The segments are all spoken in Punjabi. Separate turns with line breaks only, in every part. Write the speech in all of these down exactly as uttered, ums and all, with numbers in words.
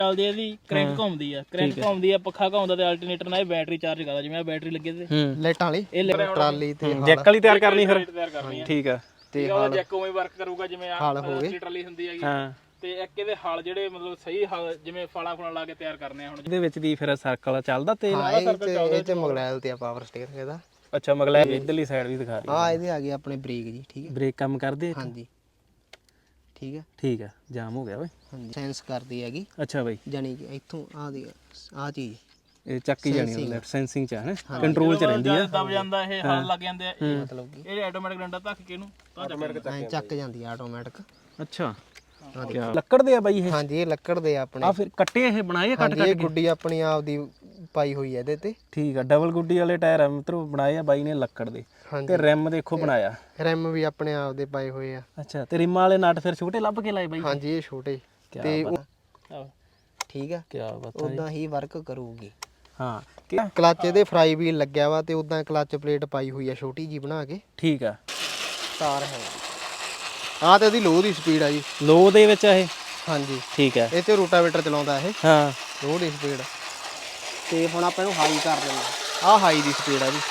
ਚੱਲਦੀ ਇਹਦੀ ਕ੍ਰੈਂਕ ਘੁੰਮਦੀ ਆ ਕ੍ਰੈਂਕ ਘੁੰਮਦੀ ਆ ਪੱਖਾ ਘੁੰਮਦਾ ਤੇ ਅਲਟਰਨੇਟਰ ਨਾਲ ਇਹ ਬੈਟਰੀ ਚਾਰਜ ਕਰਦਾ ਜਿਵੇਂ ਆ ਬੈਟਰੀ ਲੱਗੇ ਤੇ
ਲਾਈਟਾਂ ਵਾਲੀ
ਇਹ
ਟਰਾਲੀ ਤੇ
ਜੈਕ ਵਾਲੀ ਤਿਆਰ ਕਰਨੀ ਫਿਰ
ਤਿਆਰ ਕਰਨੀ ਆ
ਠੀਕ ਆ
ਤੇ ਉਹਦਾ ਜੈਕ ਉਵੇਂ ਵਰਕ ਕਰੂਗਾ ਜਿਵੇਂ ਆ
ਹਲ ਹੋਵੇ
ਟਰਾਲੀ ਹੁੰਦੀ ਹੈਗੀ
ਹਾਂ
ਤੇ ਇੱਕ ਇਹਦੇ ਹਲ ਜਿਹੜੇ ਮਤਲਬ ਸਹੀ ਹਲ ਜਿਵੇਂ ਫਾਲਾ ਫੁਲਾ ਲਾ ਕੇ ਤਿਆਰ ਕਰਨੇ ਆ ਹੁਣ
ਇਹਦੇ ਵਿੱਚ ਦੀ ਫਿਰ ਸਰਕਲ ਚੱਲਦਾ ਤੇ
ਹਾਂ ਇਹ ਚ ਇਹ ਚ ਮਗਲੈਲ ਤੇ ਆ ਪਾਵਰ ਸਟੀਅਰਿੰਗ ਇਹਦਾ
ਅੱਛਾ ਮਗਲਾ ਇਧਰਲੀ ਸਾਈਡ ਵੀ ਦਿਖਾ ਰਹੀ
ਹਾਂ ਇਹਦੇ ਆ ਗਏ ਆਪਣੇ ਬ੍ਰੇਕ ਜੀ ਠੀਕ ਹੈ
ਬ੍ਰੇਕ ਕੰਮ ਕਰਦੇ
ਹਾਂਜੀ ਠੀਕ ਹੈ
ਠੀਕ ਆ ਜਾਮ ਹੋ ਗਿਆ ਓਏ
ਹਾਂਜੀ ਸੈਂਸ ਕਰਦੀ ਹੈਗੀ
ਅੱਛਾ ਬਾਈ
ਜਾਨੀ ਕਿ ਇੱਥੋਂ ਆ ਦੇ ਆ ਚੀਜ਼
ਇਹ ਚੱਕੀ ਜਾਣੀ ਲੈਫਟ ਸੈਂਸਿੰਗ ਚ ਹੈ ਕੰਟਰੋਲ ਚ ਰਹਿੰਦੀ ਆ
ਦਬ ਜਾਂਦਾ ਇਹ ਹਲ ਲੱਗ ਜਾਂਦੇ ਆ ਇਹ
ਮਤਲਬ ਕਿ
ਇਹ ਆਟੋਮੈਟਿਕ ਡੰਡਾ ਧੱਕ ਕੇ ਇਹਨੂੰ ਤਾਂ
ਐਂ ਚੱਕ ਜਾਂਦੀ ਆ ਆਟੋਮੈਟਿਕ
ਅੱਛਾ ਕਿਆ ਲੱਕੜ ਦੇ ਆ ਬਾਈ ਇਹ
ਹਾਂਜੀ ਇਹ ਲੱਕੜ ਦੇ ਆ ਆਪਣੇ
ਆ ਫਿਰ ਕੱਟੇ ਇਹ ਬਣਾਏ ਆ ਕੱਟ
ਹਾਂਜੀ ਇਹ ਗੁੱਡੀ ਆਪਣੀ ਆਪ ਦੀ ਪਾਈ ਹੋਈ ਹੈ ਇਹਦੇ ਤੇ
ਠੀਕ ਆ ਡਬਲ ਗੁੱਡੀ ਵਾਲੇ ਟਾਇਰ ਆ ਮਿੱਤਰੋ ਬਣਾਏ ਆ ਬਾਈ ਨੇ ਲੱਕੜ ਦੇ ਤੇ ਰਿਮ ਦੇਖੋ ਬਣਾਇਆ
ਰਿਮ ਵੀ ਆਪਣੇ ਆਪ ਦੇ ਪਾਏ ਹੋਏ ਆ
ਅੱਛਾ ਤੇ ਰਿਮਾਂ ਵਾਲੇ ਨਟ ਫਿਰ ਛੋਟੇ ਲੱਭ ਕੇ ਲਾਏ ਬਾਈ
ਹਾਂਜੀ ਇਹ ਛੋਟੇ ਤੇ ਠੀਕ ਆ
ਕੀ ਬਾਤ
ਉਦਾਂ ਹੀ ਵਰਕ ਕਰੂਗੀ
ਹਾਂ
ਕਲੱਚ ਇਹਦੇ ਫਰਾਈ ਵੀਲ ਲੱਗਿਆ ਵਾ ਤੇ ਉਦਾਂ ਕਲੱਚ ਪਲੇਟ ਪਾਈ ਹੋਈ ਆ ਛੋਟੀ ਜੀ ਬਣਾ ਕੇ
ਠੀਕ ਆ
ਤਾਰ ਹੈ ਆ ਤੇ ਇਹਦੀ ਲੋ ਦੀ ਸਪੀਡ ਆ ਜੀ
ਲੋ ਦੇ ਵਿੱਚ ਇਹ
ਹਾਂਜੀ
ਠੀਕ ਆ
ਇਹ ਤੇ ਰੋਟਾਵੇਟਰ ਚਲਾਉਂਦਾ ਇਹ
ਹਾਂ
ਲੋ ਦੀ ਸਪੀਡ ਤੇ ਹੁਣ ਆਪਾਂ ਇਹਨੂੰ ਹਾਈ ਕਰ ਦਿੰਦੇ ਆ ਹਾਈ ਦੀ ਸਪੀਡ ਆ ਜੀ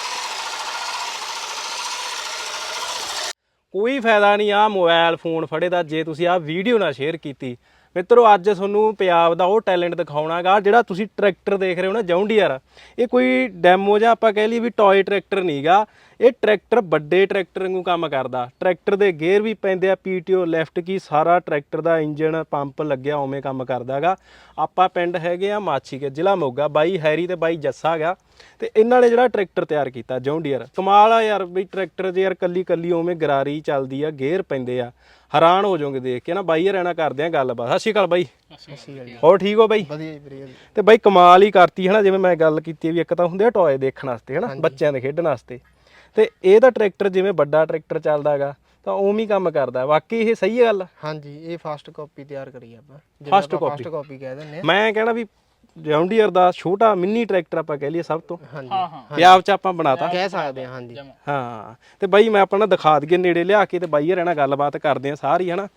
ਕੋਈ ਫਾਇਦਾ ਨਹੀਂ ਆ ਮੋਬਾਈਲ ਫੋਨ ਫੜੇ ਦਾ ਜੇ ਤੁਸੀਂ ਆ ਵੀਡੀਓ ਨਾ ਸ਼ੇਅਰ ਕੀਤੀ ਮਿੱਤਰੋ ਅੱਜ ਤੁਹਾਨੂੰ ਪੰਜਾਬ ਦਾ ਉਹ ਟੈਲੈਂਟ ਦਿਖਾਉਣਾਗਾ ਜਿਹੜਾ ਤੁਸੀਂ ਟਰੈਕਟਰ ਦੇਖ ਰਹੇ ਹੋ ਨਾ ਜੌਂਡੀਅਰ ਇਹ ਕੋਈ ਡੈਮੋ ਜਾਂ ਆਪਾਂ ਕਹਿ ਲਈ ਵੀ ਟੌਏ ਟਰੈਕਟਰ ਨਹੀਂਗਾ ਇਹ ਟਰੈਕਟਰ ਵੱਡੇ ਟਰੈਕਟਰ ਵਾਂਗੂ ਕੰਮ ਕਰਦਾ ਟਰੈਕਟਰ ਦੇ ਗੇਅਰ ਵੀ ਪੈਂਦੇ ਆ ਪੀਟੀਓ ਲੈਫਟ ਕੀ ਸਾਰਾ ਟਰੈਕਟਰ ਦਾ ਇੰਜਨ ਪੰਪ ਲੱਗਿਆ ਉਵੇਂ ਕੰਮ ਕਰਦਾਗਾ ਆਪਾਂ ਪਿੰਡ ਹੈਗੇ ਆ ਮਾਛੀਕੇ ਜ਼ਿਲ੍ਹਾ ਮੋਗਾ ਬਾਈ ਹੈਰੀ ਤੇ ਬਾਈ ਜੱਸਾ ਗਾ ਤੇ ਇਹਨਾਂ ਨੇ ਜਿਹੜਾ ਟਰੈਕਟਰ ਤਿਆਰ ਕੀਤਾ ਜੌਂਡੀਅਰ ਕਮਾਲ ਆ ਯਾਰ ਵੀ ਟਰੈਕਟਰ ਜੇ ਯਾਰ ਕੱਲੀ ਕੱਲੀ ਉਵੇਂ ਗਰਾਰੀ ਚੱਲਦੀ ਆ ਗੇਅਰ ਪੈਂਦੇ ਆ ਹੈਰਾਨ ਹੋ ਜਾਓਗੇ ਦੇਖ ਕੇ ਨਾ ਬਾਈ ਰਹਿਣਾ ਕਰਦੇ ਆ ਗੱਲਬਾਤ ਸਤਿ ਸ਼੍ਰੀ ਅਕਾਲ ਬਾਈ ਹੋਰ ਠੀਕ ਹੋ ਬਾਈ
ਵਧੀਆ ਜੀ ਵਧੀਆ
ਤੇ ਬਾਈ ਕਮਾਲ ਹੀ ਕਰਤੀ ਹਨਾ ਜਿਵੇਂ ਮੈਂ ਗੱਲ ਕੀਤੀ ਵੀ ਇੱਕ ਤਾਂ ਹੁੰਦੇ ਆ ਟੌਏ ਦੇਖਣ ਵਾਸਤੇ ਹਨਾ ਬੱਚਿਆਂ ਦੇ ਖੇਡਣ ਵਾਸਤੇ ਤੇ ਇਹ ਤਾਂ ਟਰੈਕਟਰ ਜਿਵੇਂ ਵੱਡਾ ਟਰੈਕਟਰ ਚੱਲਦਾ ਹੈਗਾ ਤਾਂ ਉਵੇਂ ਹੀ ਕੰਮ ਕਰਦਾ ਵਾਕਈ ਇਹ ਸਹੀ ਹੈ ਗੱਲ
ਹਾਂਜੀ ਇਹ ਫਸਟ ਕਾਪੀ ਤਿਆਰ ਕਰੀ ਆਪਾਂ
ਫਸਟ ਕਾਪੀ
ਫਸਟ ਕਾਪੀ ਕਹਿ ਦਿੰਦੇ ਆ
ਮੈਂ ਕਹਿਣਾ ਵੀ ਜੌਂਡੀਅਰ ਦਾ ਛੋਟਾ ਮਿੰਨੀ ਟਰੈਕਟਰ ਆਪਾਂ ਕਹਿ ਲਈਏ ਸਭ ਤੋਂ
ਹਾਂਜੀ
ਹਾਂ ਹਾਂ
ਪੰਜਾਬ 'ਚ ਆਪਾਂ ਬਣਾਤਾ
ਕਹਿ ਸਕਦੇ ਆ ਹਾਂਜੀ
ਹਾਂ ਤੇ ਬਾਈ ਮੈਂ ਆਪਣਾ ਦਿਖਾ ਦਈਏ ਨੇੜੇ ਲਿਆ ਕੇ ਤੇ ਬਾਈ ਰਹਿਣਾ ਗੱਲਬਾਤ ਕਰਦੇ ਆ ਸਾਰੀ ਹਨਾ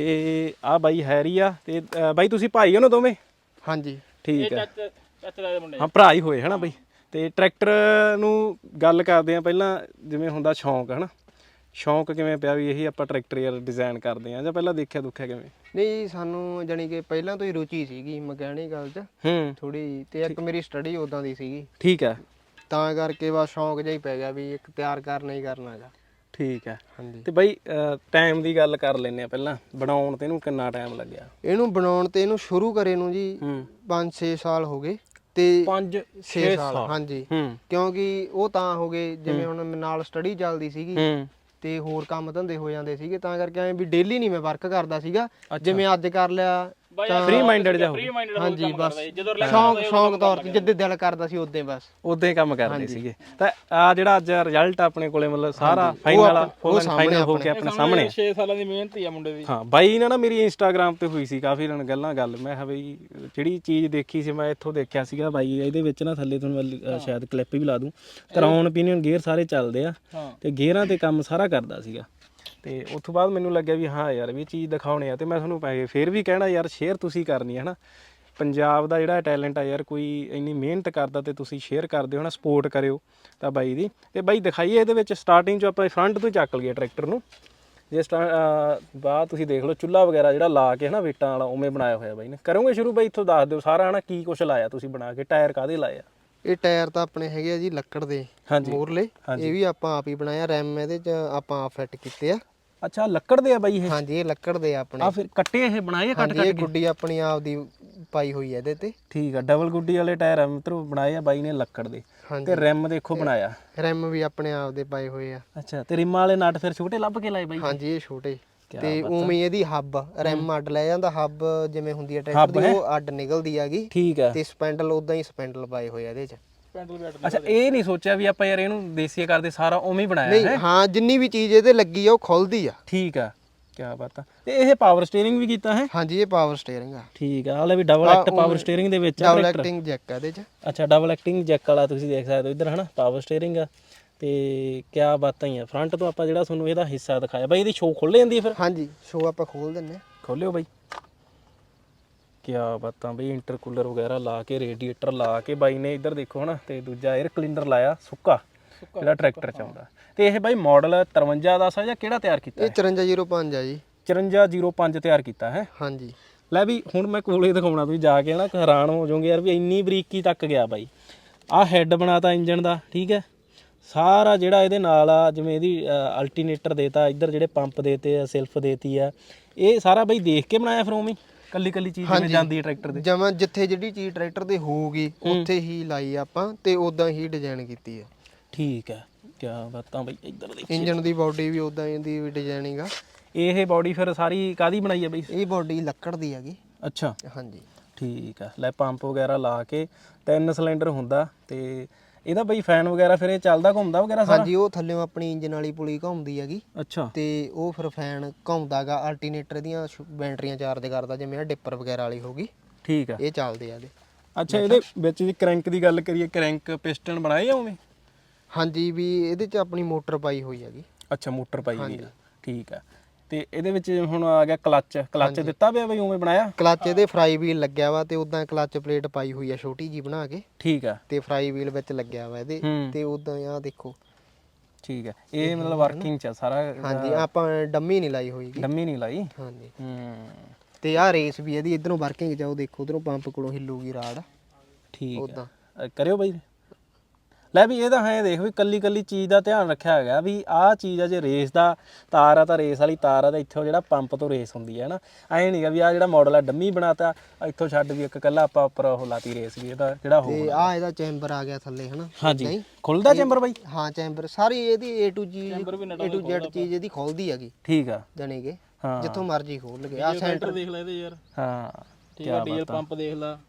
ਤੇ ਆ ਬਾਈ ਹੈਰੀ ਆ ਤੇ ਬਾਈ ਤੁਸੀਂ ਭਾਈ ਹੋ ਨਾ ਦੋਵੇਂ
ਹਾਂਜੀ
ਠੀਕ ਹੈ
ਚਾਚੇ ਦਾ ਮੁੰਡੇ
ਹਾਂ ਭਰਾ ਹੀ ਹੋਏ ਹਨਾ ਬਾਈ ਤੇ ਟਰੈਕਟਰ ਨੂੰ ਗੱਲ ਕਰਦੇ ਆ ਪਹਿਲਾਂ ਜਿਵੇਂ ਹੁੰਦਾ ਸ਼ੌਂਕ ਹਨਾ ਸ਼ੌਂਕ ਕਿਵੇਂ ਪਿਆ ਵੀ ਇਹੀ ਆਪਾਂ ਟਰੈਕਟਰ ਯਾਰ ਡਿਜ਼ਾਈਨ ਕਰਦੇ ਆ ਜਾਂ ਪਹਿਲਾਂ ਦੇਖਿਆ ਦੁੱਖਿਆ ਕਿਵੇਂ
ਨਹੀਂ ਸਾਨੂੰ ਜਾਨੀ ਕਿ ਪਹਿਲਾਂ ਤੋਂ ਹੀ ਰੁਚੀ ਸੀਗੀ ਮਕੈਨਿਕਲ 'ਚ
ਹੂੰ
ਥੋੜੀ ਤੇ ਇੱਕ ਮੇਰੀ ਸਟੱਡੀ ਉਦਾਂ ਦੀ ਸੀਗੀ
ਠੀਕ ਹੈ
ਤਾਂ ਕਰਕੇ ਬਸ ਸ਼ੌਂਕ ਜਿਹਾ ਹੀ ਪੈ ਗਿਆ ਵੀ ਇੱਕ ਤਿਆਰ ਕਰਨਾ ਹੀ ਕਰਨਾ ਹੈਗਾ
ਠੀਕ ਹੈ
ਹਾਂਜੀ
ਤੇ ਬਾਈ ਟਾਈਮ ਦੀ ਗੱਲ ਕਰ ਲੈਨੇ ਆ ਪਹਿਲਾਂ ਬਣਾਉਣ ਤੇ ਇਹਨੂੰ ਕਿੰਨਾ ਟਾਈਮ ਲੱਗਿਆ
ਇਹਨੂੰ ਬਣਾਉਣ ਤੇ ਇਹਨੂੰ ਸ਼ੁਰੂ ਕਰੇ ਨੂੰ ਜੀ
ਹੂੰ
ਪੰਜ ਛੇ ਸਾਲ ਹੋ ਗਏ ਤੇ
ਪੰਜ
ਛੇ ਸਾਲ ਹਾਂਜੀ
ਹੂੰ
ਕਿਉਂਕਿ ਉਹ ਤਾਂ ਹੋ ਗਏ ਜਿਵੇਂ ਹੁਣ ਨਾਲ ਸਟੱਡੀ ਚੱਲਦੀ ਸੀਗੀ
ਹੂੰ
ਤੇ ਹੋਰ ਕੰਮ ਧੰਦੇ ਹੋ ਜਾਂਦੇ ਸੀਗੇ ਤਾਂ ਕਰਕੇ ਐ ਵੀ ਡੇਲੀ ਨਹੀਂ ਮੈਂ ਵਰਕ ਕਰਦਾ ਸੀਗਾ ਜਿਵੇਂ ਅੱਜ ਕਰ ਲਿਆ
ਫ੍ਰੀ ਮਾਈਂਡਡ ਜਾ
ਫ੍ਰੀ ਮਾਈਂਡਡ
ਹਾਂਜੀ ਬਸ
ਜਦੋਂ
ਸ਼ੌਂਕ ਸ਼ੌਂਕ ਤੌਰ ਤੇ ਜਿੱਦੇ ਦਿਲ ਕਰਦਾ ਸੀ ਉਦੋਂ ਬਸ
ਉਦਾਂ ਹੀ ਕੰਮ ਕਰਦੇ ਸੀਗੇ ਤਾਂ ਆ ਜਿਹੜਾ ਅੱਜ ਰਿਜ਼ਲਟ ਆਪਣੇ ਕੋਲੇ ਮਤਲਬ ਸਾਰਾ ਫਾਈਨਲ ਵਾਲਾ ਫੁੱਲ ਫਾਈਨਲ ਹੋ ਕੇ ਆਪਣੇ ਸਾਹਮਣੇ
ਛੇ ਸਾਲਾਂ ਦੀ ਮਿਹਨਤ ਹੀ ਆ ਮੁੰਡੇ ਦੀ
ਹਾਂ ਬਾਈ ਨਾਲ ਨਾ ਮੇਰੀ ਇੰਸਟਾਗ੍ਰਾਮ ਤੇ ਹੋਈ ਸੀ ਕਾਫੀ ਦਿਨ ਗੱਲਾਂ ਗੱਲ ਮੈਂ ਕਿਹਾ ਬਈ ਜਿਹੜੀ ਚੀਜ਼ ਦੇਖੀ ਸੀ ਮੈਂ ਇੱਥੋਂ ਦੇਖਿਆ ਸੀਗਾ ਬਾਈ ਇਹਦੇ ਵਿੱਚ ਨਾ ਥੱਲੇ ਤੁਹਾਨੂੰ ਸ਼ਾਇਦ ਕਲਿੱਪ ਵੀ ਲਾ ਦੂੰ ਕਰਾਉਣ ਓਪੀਨੀਅਨ ਗੇਅਰ ਸਾਰੇ ਚੱਲਦੇ ਆ ਤੇ ਗੇਅਰਾਂ ਤੇ ਕੰਮ ਸਾਰਾ ਕਰਦਾ ਸੀਗਾ ਤੇ ਉਸ ਤੋਂ ਬਾਅਦ ਮੈਨੂੰ ਲੱਗਿਆ ਵੀ ਹਾਂ ਯਾਰ ਵੀ ਇਹ ਚੀਜ਼ ਦਿਖਾਉਣੇ ਆ ਤੇ ਮੈਂ ਤੁਹਾਨੂੰ ਪੈਸੇ ਫੇਰ ਵੀ ਕਹਿਣਾ ਯਾਰ ਸ਼ੇਅਰ ਤੁਸੀਂ ਕਰਨੀ ਹੈ ਨਾ ਪੰਜਾਬ ਦਾ ਜਿਹੜਾ ਟੈਲੈਂਟ ਆ ਯਾਰ ਕੋਈ ਇੰਨੀ ਮਿਹਨਤ ਕਰਦਾ ਤੇ ਤੁਸੀਂ ਸ਼ੇਅਰ ਕਰਦੇ ਹੋ ਨਾ ਸਪੋਰਟ ਕਰਿਓ ਤਾਂ ਬਾਈ ਦੀ ਤੇ ਬਾਈ ਦਿਖਾਈਏ ਇਹਦੇ ਵਿੱਚ ਸਟਾਰਟਿੰਗ 'ਚ ਆਪਾਂ ਫਰੰਟ ਤੋਂ ਚੱਕ ਲਈਏ ਟਰੈਕਟਰ ਨੂੰ ਜੇ ਸਟਾ ਬਾਅਦ ਤੁਸੀਂ ਦੇਖ ਲਓ ਚੁੱਲ੍ਹਾ ਵਗੈਰਾ ਜਿਹੜਾ ਲਾ ਕੇ ਹਨਾ ਵੇਟਾਂ ਵਾਲਾ ਉਵੇਂ ਬਣਾਇਆ ਹੋਇਆ ਬਾਈ ਨੇ ਕਰੋਗੇ ਸ਼ੁਰੂ ਬਾਈ ਇੱਥੋਂ ਦੱਸ ਦਿਓ ਸਾਰਾ ਹਨਾ ਕੀ ਕੁਛ ਲਾਇਆ ਤੁਸੀਂ ਬਣਾ ਕੇ ਟਾਇਰ ਕਾਹਦੇ ਲਾਏ ਆ
ਇਹ ਟਾਇਰ ਤਾਂ ਆਪਣੇ ਹੈਗੇ ਆ ਜੀ ਲੱਕੜ ਦੇ ਮੋਰਲੇ ਇਹ ਵੀ ਆਪਾਂ ਆਪ ਹੀ ਬਣਾਇਆ ਰੈਮ ਇਹਦੇ 'ਚ ਆਪਾਂ ਆਪ ਫਿੱਟ ਕੀਤੇ ਆ
ਅੱਛਾ ਲੱਕੜ ਦੇ ਆ ਬਾਈ ਇਹ
ਹਾਂਜੀ ਇਹ ਲੱਕੜ ਦੇ ਆ ਆਪਣੇ
ਆ ਫਿਰ ਕੱਟੇ ਇਹ ਬਣਾਏ ਕੱਟ
ਕੱਟ ਇਹ ਗੁੱਡੀ ਆਪਣੀ ਆਪ ਦੀ ਪਾਈ ਹੋਈ ਹੈ ਇਹਦੇ ਤੇ
ਠੀਕ ਆ ਡਬਲ ਗੁੱਡੀ ਵਾਲੇ ਟਾਇਰ ਆ ਮਿੱਤਰੋ ਬਣਾਏ ਆ ਬਾਈ ਨੇ ਲੱਕੜ ਦੇ ਤੇ ਰਿਮ ਦੇਖੋ ਬਣਾਇਆ
ਰਿਮ ਵੀ ਆਪਣੇ ਆਪ ਦੇ ਪਾਏ ਹੋਏ ਆ
ਅੱਛਾ ਤੇ ਰਿਮਾਂ ਵਾਲੇ ਨਟ ਫਿਰ ਛੋਟੇ ਲੱਭ ਕੇ ਲਾਏ ਬਾਈ
ਹਾਂਜੀ ਇਹ ਛੋਟੇ ਤੇ ਉਵੇਂ ਇਹਦੀ ਹੱਬ ਰਿਮ ਅੱਡ ਲੈ ਜਾਂਦਾ ਹੱਬ ਜਿਵੇਂ ਹੁੰਦੀ ਹੈ ਟਰੈਕਟਰ ਦੀ ਉਹ ਅੱਡ ਨਿਕਲਦੀ ਹੈਗੀ
ਠੀਕ ਆ
ਤੇ ਸਪੈਂਡਲ ਉਦਾਂ ਹੀ ਸਪੈਂਡਲ ਪਾਏ ਹੋਏ ਆ ਇਹਦੇ 'ਚ
ਅੱਛਾ ਇਹ ਨਹੀਂ ਸੋਚਿਆ ਵੀ ਆਪਾਂ ਯਾਰ ਇਹਨੂੰ ਦੇਸੀ ਕਰਦੇ ਸਾਰਾ ਉਵੇਂ ਹੀ ਬਣਾਇਆ
ਨਹੀਂ ਹਾਂ ਜਿੰਨੀ ਵੀ ਚੀਜ਼ ਇਹਦੇ ਲੱਗੀ ਆ ਉਹ ਖੁੱਲਦੀ ਆ
ਠੀਕ ਆ ਕੀ ਬਾਤ ਆ ਤੇ ਇਹ ਪਾਵਰ ਸਟੀਅਰਿੰਗ ਵੀ ਕੀਤਾ ਹੈ
ਹਾਂਜੀ ਇਹ ਪਾਵਰ ਸਟੀਅਰਿੰਗ ਆ
ਠੀਕ ਆ ਹਾਲੇ ਵੀ ਡਬਲ ਐਕਟ ਪਾਵਰ ਸਟੀਅਰਿੰਗ ਦੇ ਵਿੱਚ
ਡਬਲ ਐਕਟਿੰਗ ਜੈਕ ਆ ਇਹਦੇ 'ਚ
ਅੱਛਾ ਡਬਲ ਐਕਟਿੰਗ ਜੈਕ ਵਾਲਾ ਤੁਸੀਂ ਦੇਖ ਸਕਦੇ ਹੋ ਇੱਧਰ ਹਨਾ ਪਾਵਰ ਸਟੀਅਰਿੰਗ ਆ ਤੇ ਕੀ ਬਾਤਾਂ ਹੀ ਆ ਫਰੰਟ ਤੋਂ ਆਪਾਂ ਜਿਹੜਾ ਤੁਹਾਨੂੰ ਇਹਦਾ ਹਿੱਸਾ ਦਿਖਾਇਆ ਬਾਈ ਇਹਦੀ ਸ਼ੋ ਖੁੱਲ ਜਾਂਦੀ ਫਿਰ
ਹਾਂਜੀ ਸ਼ੋ ਆਪਾਂ ਖੋਲ ਦਿੰਨੇ
ਖੋਲਿਓ ਬਾਈ ਕਿਆ ਬਾਤਾਂ ਬਈ, ਇੰਟਰਕੂਲਰ ਵਗੈਰਾ ਲਾ ਕੇ, ਰੇਡੀਏਟਰ ਲਾ ਕੇ ਬਾਈ ਨੇ ਇੱਧਰ ਦੇਖੋ ਹਨਾ, ਤੇ ਦੂਜਾ 에ਅਰ ਕਲੀਨਰ ਲਾਇਆ ਸੁੱਕਾ ਜਿਹੜਾ ਟਰੈਕਟਰ ਚ ਆਉਂਦਾ। ਤੇ ਇਹ ਬਾਈ ਮਾਡਲ ਤਰਵੰਜਾ ਦਸ ਆ ਜਾਂ ਕਿਹੜਾ ਤਿਆਰ ਕੀਤਾ?
ਇਹ ਚੁਰੰਜਾ ਜ਼ੀਰੋ ਪੰਜ ਆ ਜੀ।
ਚੁਰੰਜਾ ਜ਼ੀਰੋ ਪੰਜ ਤਿਆਰ ਕੀਤਾ ਹੈ।
ਹਾਂਜੀ।
ਲੈ ਵੀ ਹੁਣ ਮੈਂ ਕੋਲੇ ਦਿਖਾਉਣਾ, ਤੁਸੀਂ ਜਾ ਕੇ ਨਾ ਹੈਰਾਨ ਹੋ ਜਾਓਗੇ ਯਾਰ ਵੀ ਇੰਨੀ ਬਰੀਕੀ ਤੱਕ ਗਿਆ ਬਾਈ। ਆਹ ਹੈੱਡ ਬਣਾਤਾ ਇੰਜਨ ਦਾ, ਠੀਕ ਹੈ। ਸਾਰਾ ਜਿਹੜਾ ਇਹਦੇ ਨਾਲ ਆ, ਜਿਵੇਂ ਇਹਦੀ ਅਲਟਰਨੇਟਰ ਦੇਤਾ, ਇੱਧਰ ਜਿਹੜੇ ਪੰਪ ਦੇਤੇ ਆ, ਸੈਲਫ ਦੇਤੀ ਆ, ਇਹ ਸਾਰਾ ਬਾਈ ਦੇਖ ਕੇ ਬਣਾਇਆ ਫਿਰ ਉਵੇਂ ਕੱਲੀ ਕੱਲੀ ਚੀਜ਼ ਜਿਵੇਂ ਜਾਂਦੀ ਹੈ ਟਰੈਕਟਰ ਦੇ?
ਜਮਾਂ ਜਿੱਥੇ ਜਿਹੜੀ ਚੀਜ਼ ਟਰੈਕਟਰ ਦੇ ਹੋਊਗੀ ਉੱਥੇ ਹੀ ਲਾਈ ਆਪਾਂ ਤੇ ਉਦਾਂ ਹੀ ਡਿਜ਼ਾਈਨ ਕੀਤੀ ਆ।
ਠੀਕ ਹੈ, ਕਿਆ ਬਾਤਾਂ ਬਾਈ। ਇੱਧਰ ਦੇਖ,
ਇੰਜਨ ਦੀ ਬਾਡੀ ਵੀ ਉਦਾਂ ਦੀ ਵੀ ਡਿਜ਼ਾਈਨਿੰਗ ਆ।
ਇਹ ਬਾਡੀ ਫਿਰ ਸਾਰੀ ਕਾਦੀ ਬਣਾਈ ਆ ਬਾਈ?
ਇਹ ਬਾਡੀ ਲੱਕੜ ਦੀ ਹੈਗੀ।
ਅੱਛਾ,
ਹਾਂਜੀ
ਠੀਕ ਆ। ਲੈ ਪੰਪ ਵਗੈਰਾ ਲਾ ਕੇ ਤਿੰਨ ਸਿਲੰਡਰ ਹੁੰਦਾ, ਤੇ ਇਹਦਾ ਬਈ ਫੈਨ ਵਗੈਰਾ ਫਿਰ ਇਹ ਚੱਲਦਾ ਘੁੰਮਦਾ ਵਗੈਰਾ ਸਾਰਾ?
ਹਾਂਜੀ, ਉਹ ਥੱਲੇੋਂ ਆਪਣੀ ਇੰਜਨ ਵਾਲੀ ਪੁਲੀ ਘੁੰਮਦੀ ਹੈਗੀ।
ਅੱਛਾ।
ਤੇ ਉਹ ਫਿਰ ਫੈਨ ਘੁੰਮਦਾਗਾ, ਅਲਟਰਨੇਟਰ ਦੀਆਂ ਬੈਟਰੀਆਂ ਚਾਰਜ ਕਰਦਾ, ਜਿਵੇਂ ਆ ਡਿੱਪਰ ਵਗੈਰਾ ਵਾਲੀ ਹੋਗੀ।
ਠੀਕ ਆ,
ਇਹ ਚੱਲਦੇ ਆ ਇਹਦੇ।
ਅੱਛਾ, ਇਹਦੇ ਵਿੱਚ ਜੀ ਕ੍ਰੈਂਕ ਦੀ ਗੱਲ ਕਰੀਏ, ਕ੍ਰੈਂਕ ਪਿਸਟਨ ਬਣਾਏ ਆ ਉਵੇਂ?
ਹਾਂਜੀ, ਵੀ ਇਹਦੇ 'ਚ ਆਪਣੀ ਮੋਟਰ ਪਾਈ ਹੋਈ ਹੈਗੀ।
ਅੱਛਾ, ਮੋਟਰ ਪਾਈ ਹੋਈ ਆ, ਠੀਕ ਆ। ਤੇ ਇਹਦੇ ਵਿੱਚ ਹੁਣ ਆ ਗਿਆ ਕਲੱਚ, ਕਲੱਚ ਦਿੱਤਾ ਪਿਆ ਬਈ ਉਵੇਂ ਬਣਾਇਆ?
ਕਲੱਚ ਇਹਦੇ ਫਰਾਈ ਵੀਲ ਲੱਗਿਆ ਵਾ, ਤੇ ਉਦਾਂ ਕਲੱਚ ਪਲੇਟ ਪਾਈ ਹੋਈ ਆ ਛੋਟੀ ਜੀ ਬਣਾ ਕੇ।
ਠੀਕ ਆ।
ਤੇ ਫਰਾਈ ਵੀਲ ਵਿੱਚ ਲੱਗਿਆ ਵਾ ਇਹਦੇ, ਤੇ ਉਦਾਂ ਆ ਦੇਖੋ।
ਠੀਕ ਆ, ਇਹ ਮਤਲਬ ਵਰਕਿੰਗ ਚ ਸਾਰਾ?
ਹਾਂਜੀ, ਆਪਾਂ ਡੰਮੀ ਨਹੀਂ ਲਾਈ ਹੋਈ।
ਡੰਮੀ ਨਹੀਂ ਲਾਈ?
ਹਾਂਜੀ।
ਹੂੰ।
ਤੇ ਆਹ ਰੇਸ ਵੀ ਇਹਦੀ ਇਧਰੋਂ ਵਰਕਿੰਗ ਚ, ਉਹ ਦੇਖੋ ਉਧਰੋਂ ਪੰਪ ਕੋਲੋਂ ਹਿੱਲੂਗੀ ਰਾੜ।
ਠੀਕ
ਉਦਾਂ
ਕਰਿਓ ਬਾਈ। ਲੈ ਵੀ ਇਹਦਾ ਹੈ ਦੇਖ ਵੀ ਕੱਲੀ ਕੱਲੀ ਚੀਜ਼ ਦਾ ਧਿਆਨ ਰੱਖਿਆ ਹੈਗਾ ਵੀ ਆਹ ਚੀਜ਼ ਆ, ਜੇ ਰੇਸ ਦਾ ਤਾਰ ਆ ਤਾਂ ਰੇਸ ਵਾਲੀ ਤਾਰ ਆ, ਤਾਂ ਇੱਥੋਂ ਜਿਹੜਾ ਪੰਪ ਤੋਂ ਰੇਸ ਹੁੰਦੀ ਹੈ ਨਾ। ਐਂ ਨਹੀਂਗਾ ਵੀ ਆਹ ਜਿਹੜਾ ਮਾਡਲ ਆ ਡੰਮੀ ਬਣਾਤਾ, ਇੱਥੋਂ ਛੱਡ ਵੀ ਇੱਕ ਕੱਲਾ ਆਪਾਂ ਉੱਪਰ ਉਹ ਲਾਤੀ ਰੇਸ ਵੀ ਇਹਦਾ ਜਿਹੜਾ ਹੋ।
ਤੇ ਆਹ ਇਹਦਾ ਚੈਂਬਰ ਆ ਗਿਆ ਥੱਲੇ ਹਨਾ।
ਹਾਂਜੀ, ਖੁੱਲਦਾ ਚੈਂਬਰ ਬਾਈ?
ਹਾਂ, ਚੈਂਬਰ ਸਾਰੀ ਇਹਦੀ A to G A to Z ਚੀਜ਼ ਇਹਦੀ ਖੋਲਦੀ ਹੈਗੀ।
ਠੀਕ ਆ,
ਜਾਨੀ ਕਿ
ਹਾਂ,
ਜਿੱਥੋਂ ਮਰਜ਼ੀ ਖੋਲ ਲਗੇ। ਆ ਸੈਂਟਰ
ਦੇਖ ਲੈ ਇਹਦੇ ਯਾਰ।
ਹਾਂ,
ਠੀਕ ਆ, ਡੀਜ਼ਲ ਪੰਪ ਦੇਖ ਲੈ,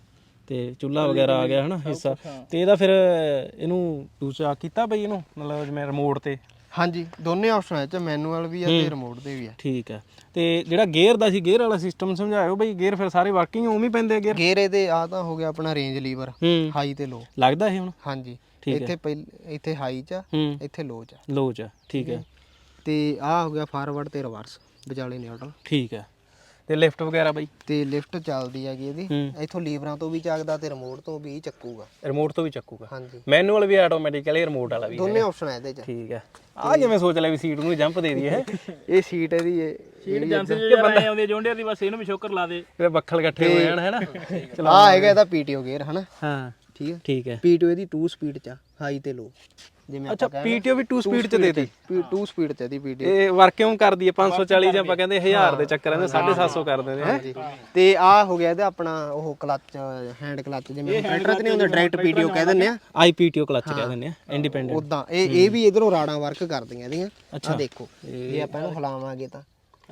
ਤੇ ਚੁੱਲ੍ਹਾ ਵਗੈਰਾ ਆ ਗਿਆ ਹਨਾ ਹਿੱਸਾ। ਤੇ ਇਹਦਾ ਫਿਰ ਇਹਨੂੰ ਦੂਸਰਾ ਕੀਤਾ ਬਈ ਇਹਨੂੰ ਮਤਲਬ ਜਿਵੇਂ ਰਿਮੋਟ ਤੇ?
ਹਾਂਜੀ, ਦੋਨੇ ਆਪਸ਼ਨ ਆ, ਚ ਮੈਨੂਅਲ ਵੀ ਆ ਤੇ ਰਿਮੋਟ ਦੇ ਵੀ ਆ।
ਠੀਕ ਆ। ਤੇ ਜਿਹੜਾ ਗੇਅਰ ਦਾ ਸੀ, ਗੇਅਰ ਵਾਲਾ ਸਿਸਟਮ ਸਮਝਾਇਓ ਬਈ। ਗੇਅਰ ਫਿਰ ਸਾਰੇ ਵਰਕਿੰਗ ਉਵੇਂ ਹੀ ਪੈਂਦੇ ਆ ਗੇਅਰ?
ਗੇਅਰ ਇਹਦੇ ਆ ਤਾਂ ਹੋ ਗਿਆ ਆਪਣਾ ਰੇਂਜ ਲੀਵਰ, ਹਾਈ ਤੇ ਲੋ
ਲੱਗਦਾ ਇਹ ਹੁਣ?
ਹਾਂਜੀ, ਇੱਥੇ ਪਹਿਲ ਇੱਥੇ ਹਾਈ ਚ, ਇੱਥੇ ਲੋ ਚ।
ਲੋ ਚ, ਠੀਕ ਹੈ।
ਤੇ ਆ ਹੋ ਗਿਆ ਫਾਰਵਰਡ ਤੇ ਰਿਵਰਸ, ਵਿਚਾਲੇ ਨਿਊਟਰਲ।
ਠੀਕ ਹੈ। ਤੇ ਲਿਫਟ ਵਗੈਰਾ ਬਾਈ?
ਤੇ ਲਿਫਟ ਚੱਲਦੀ ਹੈਗੀ ਇਹਦੀ, ਇੱਥੋਂ ਲੀਵਰਾਂ ਤੋਂ ਵੀ ਚੱਕਦਾ ਤੇ ਰਿਮੋਟ ਤੋਂ ਵੀ ਚੱਕੂਗਾ।
ਰਿਮੋਟ ਤੋਂ ਵੀ ਚੱਕੂਗਾ?
ਹਾਂਜੀ।
ਮੈਨੂਅਲ ਵੀ ਆਟੋਮੈਟਿਕਲੀ, ਰਿਮੋਟ ਵਾਲਾ ਵੀ?
ਦੋਨੇ ਆਪਸ਼ਨ ਆ ਇਹਦੇ ਚ।
ਠੀਕ ਹੈ। ਆ ਜਿਵੇਂ ਸੋਚ ਲਿਆ ਵੀ ਸੀਟ ਨੂੰ ਜੰਪ ਦੇ ਦਈਏ।
ਇਹ ਸੀਟ ਇਹਦੀ ਇਹ
ਸੀਟ ਜਾਂਦੀ ਜੇ ਬੰਦਾ ਆਉਂਦੀ ਜੋਂਡਿਆਂ ਦੀ, ਬਸ ਇਹਨੂੰ ਵੀ ਸ਼ੋਕਰ ਲਾ ਦੇ,
ਤੇ ਬੱਖਲ ਇਕੱਠੇ ਹੋ ਜਾਣ ਹੈਨਾ।
ਆ ਹੈਗਾ ਇਹਦਾ ਪੀਟੀਓ ਗੇਅਰ ਹਨਾ।
ਹਾਂ,
ਠੀਕ ਹੈ।
ਠੀਕ ਹੈ।
ਪੀਟੀਓ ਇਹਦੀ ਟੂ ਸਪੀਡ ਚ, ਹਾਈ ਤੇ ਲੋ, ਜਿਵੇਂ
ਅੱਛਾ, ਪੀਟੀਓ ਵੀ ਟੂ ਸਪੀਡ ਚ ਦੇਤੀ?
ਟੂ ਸਪੀਡ ਚ ਇਹਦੀ ਪੀਟੀਓ।
ਇਹ ਵਰਕ ਕਿਉਂ ਕਰਦੀ ਹੈ? ਪੰਜ ਸੌ ਚਾਲੀ ਜਾਂ ਆਪਾਂ ਕਹਿੰਦੇ ਹਜ਼ਾਰ ਦੇ ਚੱਕਰਾਂ ਦੇ ਸਾਢੇ ਸੱਤ ਸੌ ਕਰ ਦਿੰਦੇ ਹੈ।
ਤੇ ਆ ਹੋ ਗਿਆ ਇਹਦਾ ਆਪਣਾ ਉਹ ਕਲੱਚ, ਹੈਂਡ ਕਲੱਚ, ਜਿਵੇਂ ਟਰੈਕਟਰ ਤੇ ਨਹੀਂ ਹੁੰਦਾ ਡਾਇਰੈਕਟ ਪੀਟੀਓ ਕਹਿ ਦਿੰਦੇ ਆ,
ਆਈ ਪੀਟੀਓ ਕਲੱਚ ਕਹਿ ਦਿੰਦੇ ਆ, ਇੰਡੀਪੈਂਡੈਂਟ।
ਉਦਾਂ ਇਹ ਇਹ ਵੀ ਇਧਰੋਂ ਰਾੜਾਂ ਵਰਕ ਕਰਦੀਆਂ ਇਹਦੀਆਂ। ਅੱਛਾ ਦੇਖੋ, ਇਹ ਆਪਾਂ ਇਹਨੂੰ ਹਿਲਾਵਾਂਗੇ ਤਾਂ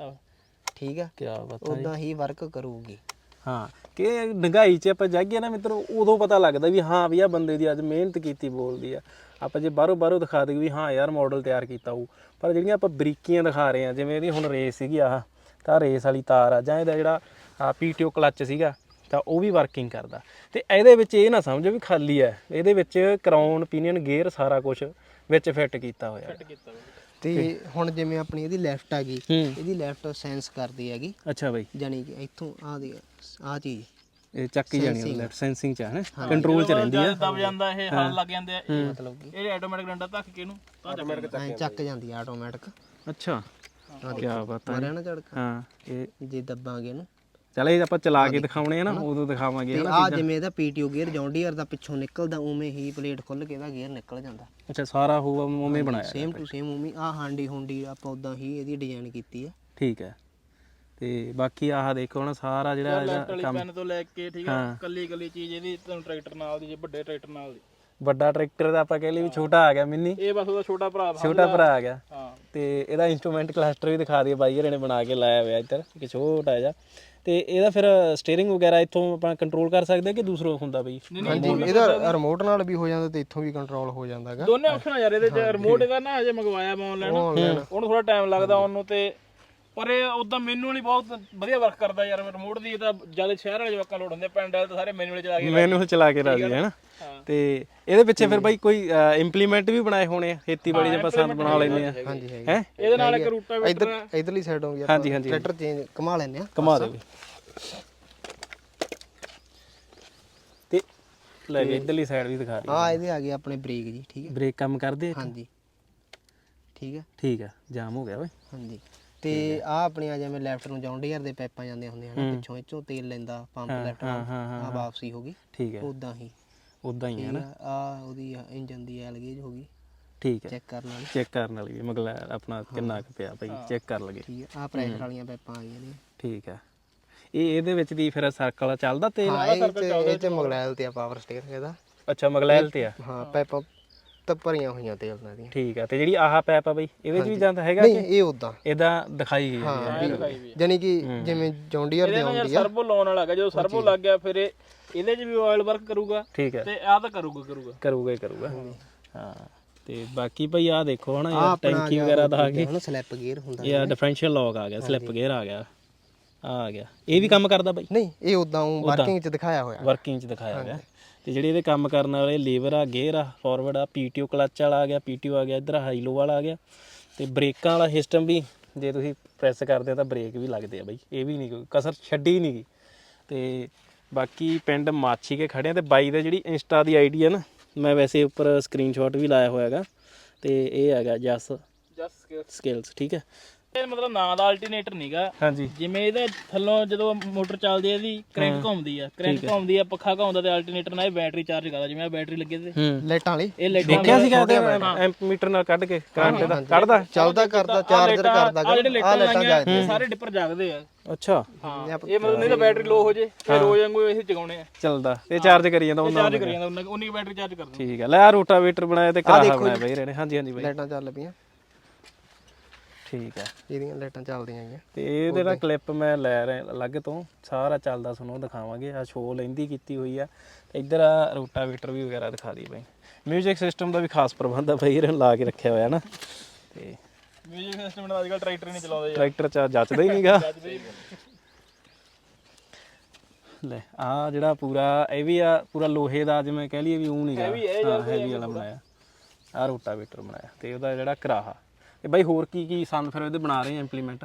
ਠੀਕ ਆ,
ਕੀ ਬਾਤ।
ਉਦਾਂ ਹੀ ਵਰਕ ਕਰੂਗੀ।
ਹਾਂ, ਕਿ ਡੰਗਾਈ 'ਚ ਆਪਾਂ ਜਾਈਏ ਨਾ ਮਿੱਤਰੋ, ਉਦੋਂ ਪਤਾ ਲੱਗਦਾ ਵੀ ਹਾਂ ਵੀ ਆ ਬੰਦੇ ਦੀ ਅੱਜ ਮਿਹਨਤ ਕੀਤੀ ਬੋਲਦੀ ਆ। ਆਪਾਂ ਜੇ ਬਾਹਰੋਂ ਬਾਹਰੋਂ ਦਿਖਾ ਦਈਏ ਵੀ ਹਾਂ ਯਾਰ ਮਾਡਲ ਤਿਆਰ ਕੀਤਾ ਹੋਊ, ਪਰ ਜਿਹੜੀਆਂ ਆਪਾਂ ਬਰੀਕੀਆਂ ਦਿਖਾ ਰਹੇ ਹਾਂ, ਜਿਵੇਂ ਇਹਦੀ ਹੁਣ ਰੇਸ ਸੀਗੀ ਆਹ, ਤਾਂ ਰੇਸ ਵਾਲੀ ਤਾਰ ਆ, ਜਾਂ ਇਹਦਾ ਜਿਹੜਾ ਪੀਟੀਓ ਕਲੱਚ ਸੀਗਾ ਤਾਂ ਉਹ ਵੀ ਵਰਕਿੰਗ ਕਰਦਾ। ਤੇ ਇਹਦੇ ਵਿੱਚ ਇਹ ਨਾ ਸਮਝੋ ਵੀ ਖਾਲੀ ਹੈ, ਇਹਦੇ ਵਿੱਚ ਕਰਾਊਨ, ਪੀਨੀਅਨ, ਗੇਅਰ ਸਾਰਾ ਕੁਝ ਵਿੱਚ ਫਿੱਟ ਕੀਤਾ ਹੋਇਆ।
ਤੇ ਹੁਣ ਜਿਵੇਂ ਆਪਣੀ ਇਹਦੀ ਲੈਫਟ ਆ ਗਈ, ਇਹਦੀ ਲੈਫਟ ਸੈਂਸ ਕਰਦੀ ਹੈਗੀ।
ਅੱਛਾ ਬਾਈ,
ਜਾਨੀ ਕਿ ਇੱਥੋਂ ਆ ਦੀ ਆ ਚੀਜ਼
ਇਹ ਚੱਕ ਹੀ ਜਾਣੀ ਲੈਫਟ ਸੈਂਸਿੰਗ ਚ ਹੈ, ਕੰਟਰੋਲ ਚ ਰਹਿੰਦੀ ਆ।
ਦਬ ਜਾਂਦਾ ਇਹ, ਹਲ ਲੱਗ ਜਾਂਦੇ ਆ, ਇਹ ਮਤਲਬ ਕਿ ਇਹ ਆਟੋਮੈਟਿਕ ਡੰਡਾ ਧੱਕ ਕੇ ਇਹਨੂੰ ਤਾਂ
ਚੱਕ ਜਾਂਦੀ ਆ ਆਟੋਮੈਟਿਕ।
ਅੱਛਾ, ਕੀ ਬਾਤ ਹੈ।
ਮਾਰਿਆ ਨਾ ਝੜਕਾ?
ਹਾਂ, ਇਹ
ਜੇ ਦੱਬਾਂਗੇ ਇਹਨੂੰ,
ਚਲ ਇਹ ਆਪਾਂ ਚਲਾ ਕੇ ਦਿਖਾਉਣੇ ਆ ਨਾ, ਉਦੋਂ ਦਿਖਾਵਾਂਗੇ।
ਤੇ ਆ ਜਿਵੇਂ ਇਹਦਾ ਪੀਟੀਓ ਗੇਅਰ ਜੌਂਡੀਅਰ ਦਾ ਪਿੱਛੋਂ ਨਿਕਲਦਾ, ਉਵੇਂ ਹੀ ਪਲੇਟ ਖੁੱਲ ਕੇ ਇਹਦਾ ਗੇਅਰ ਨਿਕਲ ਜਾਂਦਾ।
ਅੱਛਾ, ਸਾਰਾ ਹੋਊਗਾ ਉਵੇਂ ਬਣਾਇਆ?
ਸੇਮ ਟੂ ਸੇਮ ਉਵੇਂ। ਆ ਹਾਂਡੀ ਹੁੰਡੀ ਆਪਾਂ ਉਦਾਂ ਹੀ ਇਹਦੀ ਡਿਜ਼ਾਈਨ ਕੀਤੀ ਆ।
ਠੀਕ ਹੈ। ਤੇ ਬਾਕੀ ਆਹ ਦੇਖੋ ਨਾ ਸਾਰਾ ਜਿਹੜਾ ਇਹਦਾ ਕੰਮ
ਪੈਨ ਤੋਂ ਲੈ ਕੇ, ਠੀਕ ਆ, ਕੱਲੀ ਕੱਲੀ ਚੀਜ਼ ਇਹਦੀ ਤੁਹਾਨੂੰ ਟਰੈਕਟਰ ਨਾਲ ਦੀ, ਜੇ ਵੱਡੇ ਟਰੈਕਟਰ ਨਾਲ ਦੀ।
ਵੱਡਾ ਟਰੈਕਟਰ ਦਾ ਆਪਾਂ ਕਹਿ ਲਈ ਵੀ ਛੋਟਾ ਆ ਗਿਆ ਮਿੰਨੀ,
ਇਹ ਬਸ ਉਹਦਾ ਛੋਟਾ ਭਰਾ
ਛੋਟਾ ਭਰਾ ਆ ਗਿਆ।
ਹਾਂ,
ਤੇ ਇਹਦਾ ਇੰਸਟਰੂਮੈਂਟ ਕਲਸਟਰ ਵੀ ਦਿਖਾ ਦਈਏ, ਬਾਈ ਹਰੇ ਨੇ ਬਣਾ ਕੇ ਲਾਇਆ ਹੋਇਆ ਇੱਧਰ ਇੱਕ ਛੋਟਾ ਜਿਹਾ। ਤੇ ਇਹਦਾ ਫਿਰ ਸਟੀਅਰਿੰਗ ਵਗੈਰਾ ਇੱਥੋਂ ਆਪਾਂ ਕੰਟਰੋਲ ਕਰ ਸਕਦੇ ਕਿ ਦੂਸਰੋਂ ਹੁੰਦਾ ਬਈ?
ਹਾਂਜੀ, ਇਹਦਾ ਰਿਮੋਟ ਨਾਲ ਵੀ ਹੋ ਜਾਂਦਾ ਤੇ ਇੱਥੋਂ ਵੀ ਕੰਟਰੋਲ ਹੋ ਜਾਂਦਾ ਹੈਗਾ।
ਦੋਨੇ ਆਪਸ਼ਨ ਆ ਯਾਰ ਇਹਦੇ ਚ। ਰਿਮੋਟ ਇਹਦਾ ਨਾ ਅਜੇ ਮੰਗਵਾਇਆ ਮੈਂ ਆਨਲਾਈਨ, ਉਹਨੂੰ ਥੋੜਾ ਟਾਈਮ ਲੱਗਦਾ ਉਹਨੂੰ, ਤੇ ਪਰ ਇਹ ਉਦਾਂ ਮੈਨੂਅਲੀ ਬਹੁਤ ਵਧੀਆ ਵਰਕ ਕਰਦਾ ਯਾਰ। ਰਿਮੋਟ ਦੀ ਤਾਂ ਜਿਆਦਾ ਸ਼ਹਿਰ ਵਾਲੇ ਜਵਾਕਾਂ ਲੋੜ ਹੁੰਦੇ, ਪਿੰਡ ਵਾਲੇ ਤਾਂ ਸਾਰੇ ਮੈਨੂਅਲ ਚਲਾ ਕੇ
ਮੈਨੂਅਲ ਚਲਾ ਕੇ ਰਾਜੀ ਹੈ ਨਾ। ਤੇ ਇਹਦੇ ਪਿੱਛੇ ਫਿਰ ਬਾਈ ਕੋਈ ਇੰਪਲੀਮੈਂਟ ਵੀ ਬਣਾਏ ਹੋਣੇ ਆ, ਖੇਤੀਬਾੜੀ ਦੇ ਪਸੰਦ ਬਣਾ ਲੈਂਦੇ ਆ?
ਹਾਂਜੀ ਹੈਗੀ।
ਹੈ
ਇਹਦੇ ਨਾਲ ਇੱਕ ਰੂਟਾਵੇਟਰ
ਇੱਧਰ ਇਧਰਲੀ ਸਾਈਡ ਹੋ ਗਈ, ਆਪਾਂ ਟਰੈਕਟਰ ਚੇਂਜ ਘੁਮਾ ਲੈਂਦੇ ਆ,
ਘੁਮਾ ਦੇ ਵੀ। ਲੈ ਕੇ ਇਧਰਲੀ ਸਾਈਡ ਵੀ ਦਿਖਾ ਰਹੀ
ਆ ਇਹਦੇ ਆ ਗਏ ਆਪਣੇ ਬ੍ਰੇਕ ਜੀ, ਠੀਕ ਹੈ।
ਬ੍ਰੇਕ ਕੰਮ ਕਰਦੇ?
ਹਾਂਜੀ ਠੀਕ ਹੈ
ਠੀਕ ਹੈ, ਜਾਮ ਹੋ ਗਿਆ ਓਏ।
ਹਾਂਜੀ ਤੇ ਆ ਆਪਣੀਆਂ ਜਿਵੇਂ ਲੈਫਟ ਨੂੰ ਜੌਂਡੀਅਰ ਦੇ ਪੈਪਾਂ ਜਾਂਦੇ ਹੁੰਦੇ ਹਨ, ਪਿੱਛੋਂ ਇੱਚੋਂ ਤੇਲ ਲੈਂਦਾ ਪੰਪ ਲੈਫਟ ਆ ਵਾਪਸੀ ਹੋ ਗਈ।
ਠੀਕ ਹੈ,
ਉਦਾਂ ਹੀ
ਉਦਾਂ ਹੀ ਹੈ ਨਾ।
ਆ ਉਹਦੀ ਇੰਜਨ ਦੀ ਐਲ ਗੇਜ ਹੋ ਗਈ,
ਠੀਕ ਹੈ,
ਚੈੱਕ ਕਰਨ ਵਾਲੀ।
ਚੈੱਕ ਕਰਨ ਵਾਲੀ ਵੀ ਮਤਲਬ ਆਪਣਾ ਕਿੰਨਾ ਕੁ ਪਿਆ ਭਾਈ, ਚੈੱਕ ਕਰ ਲਗੇ।
ਠੀਕ ਹੈ, ਆ ਪ੍ਰੈਸ਼ਰ ਵਾਲੀਆਂ ਪੈਪਾਂ ਆ ਗਈਆਂ ਨੇ।
ਠੀਕ ਹੈ, ਇਹ ਇਹਦੇ ਵਿੱਚ ਦੀ ਫਿਰ ਸਰਕਲ ਚੱਲਦਾ ਤੇਲ?
ਹਾਂ ਇਹ ਚ ਇਹ ਚ ਮਗਲੈਲ ਤੇ ਆ ਪਾਵਰ ਸਟੀਅਰਿੰਗ ਇਹਦਾ।
ਅੱਛਾ ਮਗਲੈਲ ਤੇ ਆ।
ਹਾਂ ਪੈਪਾਂ ਤਾਂ ਭਰੀਆਂ ਹੋਈਆਂ ਤੇਲ ਨਾਲ ਦੀਆਂ।
ਠੀਕ ਹੈ, ਤੇ ਜਿਹੜੀ ਆਹ ਪੈਪ ਆ ਬਈ ਇਹਦੇ ਚ ਵੀ ਜਾਂਦਾ ਹੈਗਾ?
ਨਹੀਂ ਇਹ ਉਦਾਂ
ਇਹਦਾ ਦਿਖਾਈ ਗਈ ਹੈ।
ਹਾਂ ਜਾਨੀ ਕਿ ਜਿਵੇਂ ਜੌਂਡੀਅਰ ਦੇ ਆਉਂਦੀ ਆ।
ਸਰਬੋ ਲਾਉਣ ਵਾਲਾ ਹੈਗਾ, ਜਦੋਂ ਸਰਬੋ ਲੱਗ ਗਿਆ ਫਿਰ ਇਹ ਇਹਦੇ 'ਚ ਵੀ ਆਇਲ ਵਰਕ ਕਰੂਗਾ।
ਠੀਕ ਹੈ,
ਤੇ ਆਹ ਤਾਂ ਕਰੂਗਾ ਕਰੂਗਾ
ਕਰੂਗਾ ਹੀ ਕਰੂਗਾ। ਹਾਂ ਤੇ ਬਾਕੀ ਭਾਈ ਆਹ ਦੇਖੋ ਹਨਾ ਯਾਰ ਟੈਂਕੀ ਵਗੈਰਾ ਦਾ ਆ ਗਿਆ,
ਹੁਣ ਸਲਿੱਪ ਗੇਅਰ ਹੁੰਦਾ।
ਇਹ ਡਿਫਰੈਂਸ਼ੀਅਲ ਲੌਕ ਆ ਗਿਆ, ਸਲਿੱਪ ਗੇਅਰ ਆ ਗਿਆ, ਆ ਆ ਗਿਆ। ਇਹ ਵੀ ਕੰਮ ਕਰਦਾ ਬਾਈ?
ਨਹੀਂ ਇਹ ਉਦਾਂ ਵਰਕਿੰਗ ਚ ਦਿਖਾਇਆ ਹੋਇਆ,
ਵਰਕਿੰਗ ਚ ਦਿਖਾਇਆ ਗਿਆ। ਤੇ ਜਿਹੜੇ ਇਹਦੇ ਕੰਮ ਕਰਨ ਵਾਲੇ ਲੀਵਰ ਆ, ਗੇਅਰ ਆ, ਫਾਰਵਰਡ ਆ, ਪੀਟੀਓ ਕਲੱਚ ਵਾਲਾ ਆ ਗਿਆ, ਪੀਟੀਓ ਆ ਗਿਆ, ਇੱਧਰ ਹਾਈ ਲੋ ਵਾਲਾ ਆ ਗਿਆ। ਤੇ ਬ੍ਰੇਕਾਂ ਵਾਲਾ ਸਿਸਟਮ ਵੀ ਜੇ ਤੁਸੀਂ ਪ੍ਰੈਸ ਕਰਦੇ ਹੋ ਤਾਂ ਬ੍ਰੇਕ ਵੀ ਲੱਗਦੇ ਆ ਬਾਈ, ਇਹ ਵੀ ਨਹੀਂ ਕੋਈ ਕਸਰ ਛੱਡੀ ਨਹੀਂ ਗਈ। ਤੇ ਬਾਕੀ ਪਿੰਡ ਮਾਛੀ ਕੇ ਖੜੇ ਆ ਤੇ ਬਾਈ ਦਾ ਜਿਹੜੀ ਇੰਸਟਾ ਦੀ ਆਈਡੀ ਹੈ ਨਾ, ਮੈਂ ਵੈਸੇ ਉੱਪਰ ਸਕਰੀਨਸ਼ਾਟ ਵੀ ਲਾਇਆ ਹੋਇਆ ਹੈਗਾ। ਤੇ ਇਹ ਹੈਗਾ ਜਸ
ਜਸ
ਸਕਿਲਸ। ਠੀਕ ਹੈ,
ਇਹ ਮਤਲਬ ਨਾਂ ਦਾ ਅਲਟਰਨੇਟਰ ਨਹੀਂਗਾ।
ਹਾਂਜੀ
ਜਿਵੇਂ ਇਹਦੇ ਥੱਲੋਂ ਜਦੋਂ ਮੋਟਰ ਚੱਲਦੀ ਹੈ ਇਹਦੀ ਕ੍ਰੈਂਕ ਘੁੰਮਦੀ ਆ, ਕ੍ਰੈਂਕ ਘੁੰਮਦੀ ਆ, ਪੱਖਾ ਘੁੰਮਦਾ ਤੇ ਅਲਟਰਨੇਟਰ ਨਾਲ ਇਹ ਬੈਟਰੀ ਚਾਰਜ ਕਰਦਾ। ਜਿਵੇਂ ਆ ਬੈਟਰੀ ਲੱਗੇ ਤੇ
ਲਾਈਟਾਂ ਵਾਲੀ
ਇਹ ਲਾਈਟਾਂ
ਦੇਖਿਆ ਸੀਗਾ ਤੇ ਐਂਪਮੀਟਰ ਨਾਲ ਕੱਢ ਕੇ ਕਰੰਟ ਦਾ ਕੱਢਦਾ,
ਚੱਲਦਾ ਕਰਦਾ, ਚਾਰਜਰ ਕਰਦਾ।
ਆ ਜਿਹੜੇ ਲਾਈਟਾਂ ਲਾਈਆਂ ਸਾਰੇ ਡਿੱਪਰ ਜਾਗਦੇ ਆ।
ਅੱਛਾ
ਹਾਂ ਇਹ ਮਤਲਬ ਨਹੀਂ ਤਾਂ ਬੈਟਰੀ ਲੋ ਹੋ ਜੇ ਫਿਰ ਰੋਜ਼ ਵਾਂਗੂ ਇਹ ਜਗਾਉਣੇ ਆ।
ਚੱਲਦਾ ਤੇ ਚਾਰਜ ਕਰੀ ਜਾਂਦਾ ਉਹਨਾਂ
ਚਾਰਜ ਕਰੀ ਜਾਂਦਾ ਉਹਨਾਂ ਉਨੀ ਬੈਟਰੀ ਚਾਰਜ ਕਰਦਾ।
ਠੀਕ ਹੈ, ਲੈ ਆ ਰੋਟਾਵੇਟਰ ਬਣਾਇਆ ਤੇ ਕਰਾਹਾ ਬਣਾਇਆ ਬਈ ਰਹੇ ਨੇ। ਹਾਂਜੀ ਹਾਂਜੀ ਬਾਈ
ਲਾਈਟਾਂ ਚੱਲ ਪਈਆਂ।
ਠੀਕ ਹੈ,
ਇਹਦੀਆਂ ਲਾਈਟਾਂ ਚੱਲਦੀਆਂ ਆਈਆਂ।
ਤੇ ਇਹਦੇ ਨਾਲ ਕਲਿੱਪ ਮੈਂ ਲੈ ਰਿਹਾ ਅਲੱਗ ਤੋਂ, ਸਾਰਾ ਚੱਲਦਾ ਤੁਹਾਨੂੰ ਦਿਖਾਵਾਂਗੇ। ਆ ਸ਼ੋਅ ਲੈਂਦੀ ਕੀਤੀ ਹੋਈ ਆ। ਇੱਧਰ ਆ ਰੋਟਾਵੇਟਰ ਵੀ ਵਗੈਰਾ ਦਿਖਾ ਦੀ ਬਾਈ। ਮਿਊਜ਼ਿਕ ਸਿਸਟਮ ਦਾ ਵੀ ਖਾਸ ਪ੍ਰਬੰਧ ਆ ਬਾਈ ਇਹਨਾਂ ਲਾ ਕੇ ਰੱਖਿਆ ਹੋਇਆ ਨਾ। ਤੇ
ਮਿਊਜ਼ਿਕ ਸਿਸਟਮ ਨਾਲ ਅੱਜਕੱਲ ਟਰੈਕਟਰ ਨਹੀਂ ਚਲਾਉਂਦੇ ਯਾਰ,
ਟਰੈਕਟਰ ਚ ਜੱਚਦਾ ਹੀ ਨਹੀਂਗਾ। ਲੈ ਆ ਜਿਹੜਾ ਪੂਰਾ ਇਹ ਵੀ ਆ ਪੂਰਾ ਲੋਹੇ ਦਾ, ਜਿਵੇਂ ਕਹਿ ਲਈਏ ਵੀ ਉਹ ਨਹੀਂਗਾ, ਹਾਂ ਹੈਵੀ ਵਾਲਾ ਬਣਾਇਆ। ਆ ਰੋਟਾਵੇਟਰ ਬਣਾਇਆ ਤੇ ਉਹਦਾ ਜਿਹੜਾ ਕਰਾਹਾ। ਤੇ ਬਾਈ ਹੋਰ ਕੀ ਕੀ ਸੰਦ ਫਿਰ ਇਹਦੇ ਬਣਾ ਰਹੇ ਆ ਇੰਪਲੀਮੈਂਟ?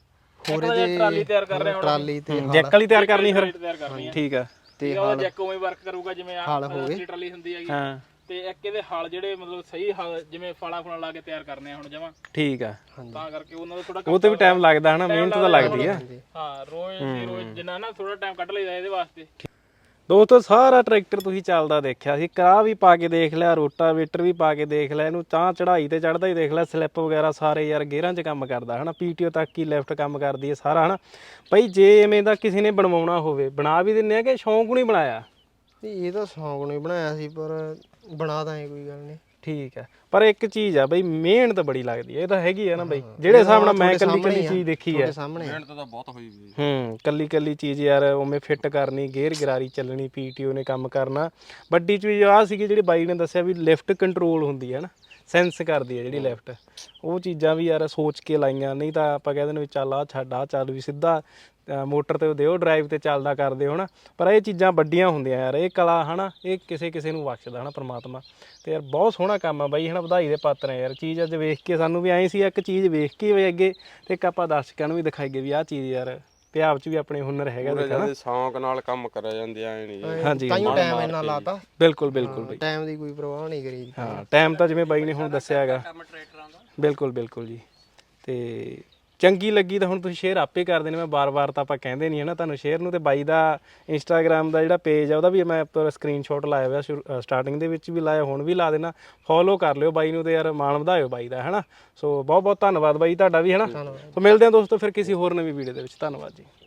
ਹੋਰ ਇਹਦੇ ਟਰਾਲੀ ਤਿਆਰ ਕਰ ਰਹੇ ਹਾਂ,
ਟਰਾਲੀ ਤੇ
ਜੈਕ ਵਾਲੀ ਤਿਆਰ ਕਰਨੀ ਫਿਰ?
ਤਿਆਰ ਕਰਨੀ ਆ।
ਠੀਕ ਆ,
ਤੇ ਉਹਦਾ ਜੈਕ ਉਵੇਂ ਵਰਕ ਕਰੂਗਾ ਜਿਵੇਂ ਆ ਟਰਾਲੀ ਹੁੰਦੀ ਹੈਗੀ।
ਹਾਂ
ਤੇ ਇੱਕ ਇਹਦੇ ਹਲ ਜਿਹੜੇ ਮਤਲਬ ਸਹੀ ਹਲ ਜਿਵੇਂ ਫਾਲਾ ਫੁਲਾ ਲਾ ਕੇ ਤਿਆਰ ਕਰਨੇ ਆ ਹੁਣ ਜਮਾ।
ਠੀਕ ਆ,
ਤਾਂ ਕਰਕੇ ਉਹਨਾਂ ਦਾ ਥੋੜਾ
ਉਹ ਤੇ ਵੀ ਟਾਈਮ ਲੱਗਦਾ ਹਨਾ, ਮਿਹਨਤ ਤਾਂ ਲੱਗਦੀ ਆ।
ਹਾਂ ਰੋਜ਼ ਦੀ ਰੋਜ਼ ਜਿੰਨਾ ਨਾ ਥੋੜਾ ਟਾਈਮ ਕੱਢ ਲਈਦਾ ਇਹਦੇ ਵਾਸਤੇ।
ਦੋਸਤੋ ਸਾਰਾ ਟਰੈਕਟਰ ਤੁਸੀਂ ਚੱਲਦਾ ਦੇਖਿਆ ਸੀ, ਕਰਾ ਵੀ ਪਾ ਕੇ ਦੇਖ ਲਿਆ, ਰੋਟਾਵੇਟਰ ਵੀ ਪਾ ਕੇ ਦੇਖ ਲਿਆ, ਇਹਨੂੰ ਤਾਂ ਚੜਾਈ ਤੇ ਚੜਦਾ ਹੀ ਦੇਖ ਲਿਆ, ਸਲਿੱਪ ਵਗੈਰਾ ਸਾਰੇ ਯਾਰ ਗੇਅਰਾਂ 'ਚ ਕੰਮ ਕਰਦਾ ਹਨਾ, ਪੀਟੀਓ ਤੱਕ ਹੀ ਲੈਫਟ ਕੰਮ ਕਰਦੀ ਹੈ ਸਾਰਾ ਹਨਾ। ਭਾਈ ਜੇ ਐਵੇਂ ਦਾ ਕਿਸੇ ਨੇ ਬਣਵਾਉਣਾ ਹੋਵੇ ਬਣਾ ਵੀ ਦਿੰਦੇ ਆ ਕਿ ਸ਼ੌਂਕ ਨੂੰ ਹੀ ਬਣਾਇਆ?
ਇਹ ਤਾਂ ਸ਼ੌਂਕ ਨੂੰ ਹੀ ਬਣਾਇਆ ਸੀ, ਪਰ ਬਣਾ ਦਾਂਗੇ ਕੋਈ ਗੱਲ ਨਹੀਂ।
ਠੀਕ ਹੈ, ਪਰ ਇੱਕ ਚੀਜ਼ ਆ ਬਈ ਮਿਹਨਤ ਬੜੀ ਲੱਗਦੀ ਹੈ, ਇਹ ਤਾਂ ਹੈਗੀ ਆ ਨਾ ਬਈ, ਜਿਹੜੇ ਹਿਸਾਬ ਨਾਲ ਮੈਂ ਕੱਲੀ ਕੱਲੀ ਚੀਜ਼ ਦੇਖੀ ਹੈ।
ਮਿਹਨਤ
ਤਾਂ ਬਹੁਤ ਹੋਈ ਵੀ।
ਹੂੰ ਕੱਲੀ ਕੱਲੀ ਚੀਜ਼ ਯਾਰ ਉਵੇਂ ਫਿੱਟ ਕਰਨੀ, ਗੇਅਰ ਗਰਾਰੀ ਚੱਲਣੀ, ਪੀਟੀਓ ਨੇ ਕੰਮ ਕਰਨਾ। ਵੱਡੀ ਚੀਜ਼ ਆਹ ਸੀਗੀ ਜਿਹੜੀ ਬਾਈ ਨੇ ਦੱਸਿਆ ਵੀ ਲਿਫਟ ਕੰਟਰੋਲ ਹੁੰਦੀ ਹੈ ਨਾ, ਸੈਂਸ ਕਰਦੀ ਹੈ ਜਿਹੜੀ ਲਿਫਟ। ਉਹ ਚੀਜ਼ਾਂ ਵੀ ਯਾਰ ਸੋਚ ਕੇ ਲਾਈਆਂ, ਨਹੀਂ ਤਾਂ ਆਪਾਂ ਕਹਿ ਦਿੰਦੇ ਵੀ ਚੱਲ ਆ ਛੱਡ ਆ ਚੱਲ ਵੀ ਸਿੱਧਾ ਮੋਟਰ ਤੇ ਦਿਓ ਡਰਾਈਵ ਤੇ ਚੱਲਦਾ ਕਰਦੇ ਹੋ ਨਾ। ਪਰ ਇਹ ਚੀਜ਼ਾਂ ਵੱਡੀਆਂ ਹੁੰਦੀਆਂ ਯਾਰ, ਇਹ ਕਲਾ ਹਨਾ ਇਹ ਕਿਸੇ ਕਿਸੇ ਨੂੰ ਬਖਸ਼ਦਾ ਹਨਾ ਪ੍ਰਮਾਤਮਾ। ਤੇ ਯਾਰ ਬਹੁਤ ਸੋਹਣਾ ਕੰਮ ਆ ਬਾਈ ਹਨਾ, ਵਧਾਈ ਦੇ ਪਾਤਰ ਆ ਯਾਰ। ਚੀਜ਼ ਅੱਜ ਵੇਖ ਕੇ ਸਾਨੂੰ ਵੀ ਆਏ ਸੀ ਇੱਕ ਚੀਜ਼ ਵੇਖ ਕੇ ਵੀ ਅੱਗੇ, ਤੇ ਇੱਕ ਆਪਾਂ ਦਰਸ਼ਕਾਂ ਨੂੰ ਵੀ ਦਿਖਾਈਏ ਵੀ ਆਹ ਚੀਜ਼ ਯਾਰ ਪੰਜਾਬ 'ਚ ਵੀ ਆਪਣੇ ਹੁਨਰ ਹੈਗਾ ਦੇਖਣਾ।
ਸ਼ੌਂਕ ਨਾਲ ਕੰਮ ਕਰਿਆ ਜਾਂਦੇ ਐ ਨਹੀਂ।
ਹਾਂਜੀ
ਤਾਈਓ ਟਾਈਮ ਇੰਨਾ ਲਾਤਾ।
ਬਿਲਕੁਲ ਬਿਲਕੁਲ ਬਾਈ,
ਟਾਈਮ ਦੀ ਕੋਈ ਪਰਵਾਹ ਨਹੀਂ ਕਰੀ।
ਹਾਂ ਟਾਈਮ ਤਾਂ ਜਿਵੇਂ ਬਾਈ ਨੇ ਹੁਣ ਦੱਸਿਆ ਹੈਗਾ। ਬਿਲਕੁਲ ਬਿਲਕੁਲ ਜੀ। ਤੇ ਚੰਗੀ ਲੱਗੀ ਤਾਂ ਹੁਣ ਤੁਸੀਂ ਸ਼ੇਅਰ ਆਪੇ ਕਰਦੇ ਨੇ, ਮੈਂ ਬਾਰ-ਬਾਰ ਤਾਂ ਆਪਾਂ ਕਹਿੰਦੇ ਨਹੀਂ ਹੈ ਨਾ ਤੁਹਾਨੂੰ ਸ਼ੇਅਰ ਨੂੰ। ਤੇ ਬਾਈ ਦਾ ਇੰਸਟਾਗ੍ਰਾਮ ਦਾ ਜਿਹੜਾ ਪੇਜ ਆ ਉਹਦਾ ਵੀ ਮੈਂ ਉੱਪਰ ਸਕਰੀਨਸ਼ਾਟ ਲਾਇਆ ਹੋਇਆ, ਸਟਾਰਟਿੰਗ ਦੇ ਵਿੱਚ ਵੀ ਲਾਇਆ, ਹੁਣ ਵੀ ਲਾ ਦੇਣਾ। ਫੋਲੋ ਕਰ ਲਿਓ ਬਾਈ ਨੂੰ ਤੇ ਯਾਰ ਮਾਣ ਵਧਾਇਓ ਬਾਈ ਦਾ ਹੈ ਨਾ। ਸੋ ਬਹੁਤ ਬਹੁਤ ਧੰਨਵਾਦ ਬਾਈ ਤੁਹਾਡਾ ਵੀ ਹੈ ਨਾ। ਸੋ ਮਿਲਦੇ ਹਾਂ ਦੋਸਤੋ ਫਿਰ ਕਿਸੇ ਹੋਰ ਨਵੀਂ ਵੀਡੀਓ ਦੇ ਵਿੱਚ। ਧੰਨਵਾਦ ਜੀ।